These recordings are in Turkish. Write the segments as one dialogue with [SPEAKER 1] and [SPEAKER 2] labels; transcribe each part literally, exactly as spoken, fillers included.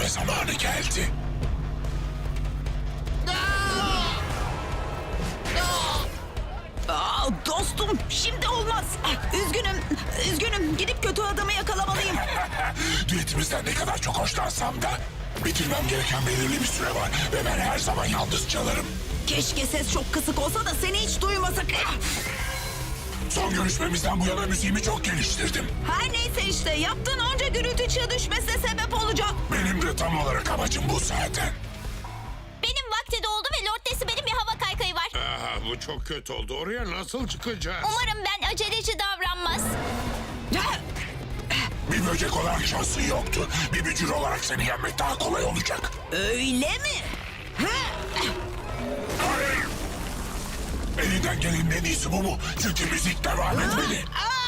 [SPEAKER 1] etme zamanı geldi.
[SPEAKER 2] Aa, dostum şimdi olmaz. Üzgünüm, üzgünüm. Gidip kötü adamı yakalamalıyım.
[SPEAKER 1] Düetimizden ne kadar çok hoşlansam da bitirmem gereken belirli bir süre var ve ben her zaman yalnız çalarım.
[SPEAKER 2] Keşke ses çok kısık olsa da seni hiç duymasak.
[SPEAKER 1] Son görüşmemizden bu yana müziğimi çok geliştirdim.
[SPEAKER 2] Her neyse işte yaptığın onca gürültü çığ düşmesine sebep olacak.
[SPEAKER 1] Benim de tam olarak amacım bu zaten.
[SPEAKER 3] Benim vakti doldu ve Lord Decibel'in bir hava kaykayı var.
[SPEAKER 4] Aha, bu çok kötü oldu. Oraya nasıl çıkacağız?
[SPEAKER 3] Umarım ben aceleci davranmaz.
[SPEAKER 1] Bir böcek olarak şansın yoktu. Bir bücür olarak seni yenmek daha kolay olacak.
[SPEAKER 2] Öyle mi?
[SPEAKER 1] Elinden gelenin en iyisi bu mu? Çünkü müzik devam etmeli.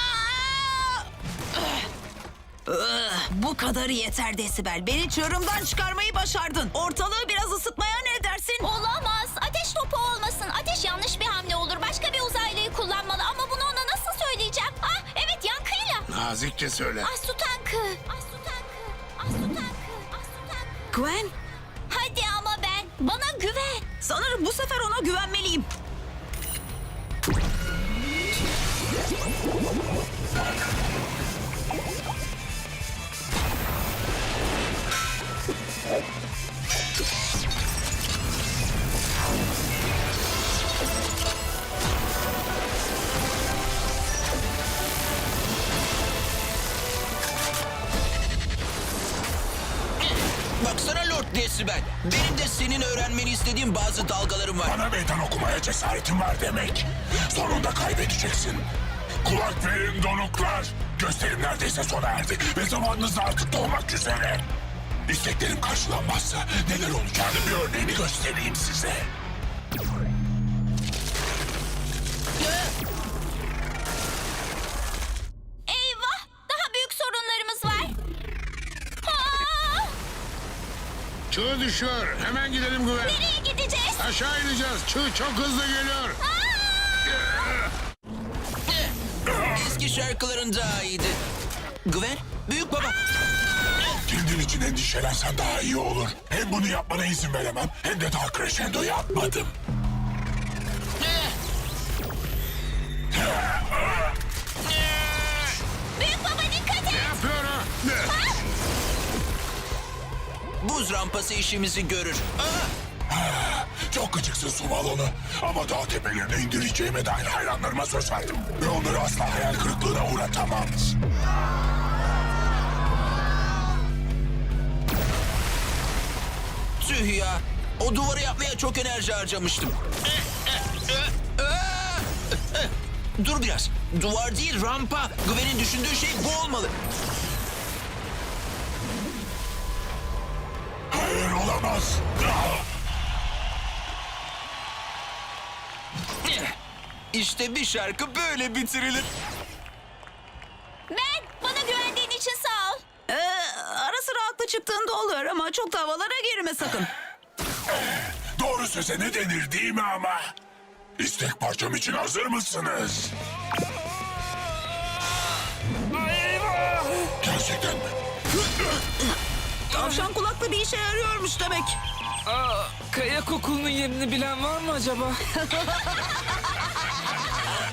[SPEAKER 2] Bu kadarı yeter Desibel. Beni çığırımdan çıkarmayı başardın. Ortalığı biraz ısıtmaya ne dersin?
[SPEAKER 3] Olamaz. Ateş topu olmasın. Ateş yanlış bir hamle olur. Başka bir uzaylıyı kullanmalı ama bunu ona nasıl söyleyeceğim? Ah evet yankıyla.
[SPEAKER 4] Nazikçe söyle.
[SPEAKER 3] Ah su tankı. Ah su tankı. Ah su tankı. Ah su tankı.
[SPEAKER 2] Gwen,
[SPEAKER 3] Hadi ama ben. Bana güven.
[SPEAKER 2] sanırım bu sefer ona güvenmeliyim.
[SPEAKER 5] Baksana Lord Decibel. Benim de senin öğrenmeni istediğim bazı dalgalarım var.
[SPEAKER 1] Bana meydan okumaya cesaretin var demek. Sonunda kaybedeceksin. Kulak verin donuklar. Gösterim neredeyse sona erdi ve zamanınız da artık dolmak üzere. İsteklerim karşılanmazsa neler olacağını bir örneğini göstereyim size.
[SPEAKER 3] Eyvah. Daha büyük sorunlarımız var. Aa,
[SPEAKER 4] Çığ düşüyor. Hemen gidelim Güven.
[SPEAKER 3] nereye gideceğiz?
[SPEAKER 4] Aşağı ineceğiz. Çığ çok hızlı geliyor.
[SPEAKER 5] Eski şarkıların daha iyiydi. Güven, büyük baba.
[SPEAKER 1] Kendin için endişelensen daha iyi olur. Hem bunu yapmana izin veremem hem de daha crescendo yapmadım.
[SPEAKER 3] Büyük baba dikkat et.
[SPEAKER 4] Yapıyor ha.
[SPEAKER 5] Buz rampası işimizi görür. Aa,
[SPEAKER 1] Çok gıcıksın su balonu. Ama dağ tepelerine indireceğime dair hayranlarıma söz verdim. Ve onları asla hayal kırıklığına uğratamam.
[SPEAKER 5] tüh ya. O duvarı yapmaya çok enerji harcamıştım. Dur biraz. Duvar değil rampa. Güven'in düşündüğü şey bu olmalı.
[SPEAKER 1] Hayır olamaz.
[SPEAKER 5] İşte bir şarkı böyle bitirilir.
[SPEAKER 3] Ben. Bana güvendiğin için sağ ol.
[SPEAKER 2] Ee, ara sıra haklı çıktığında oluyor ama çok da havalara girme sakın.
[SPEAKER 1] Doğru söze ne denir değil mi ama? İstek parçam için hazır mısınız? Gerçekten mi?
[SPEAKER 2] Tavşan kulaklı bir işe yarıyormuş demek.
[SPEAKER 6] Aa, kaya kokulunun yerini bilen var mı acaba?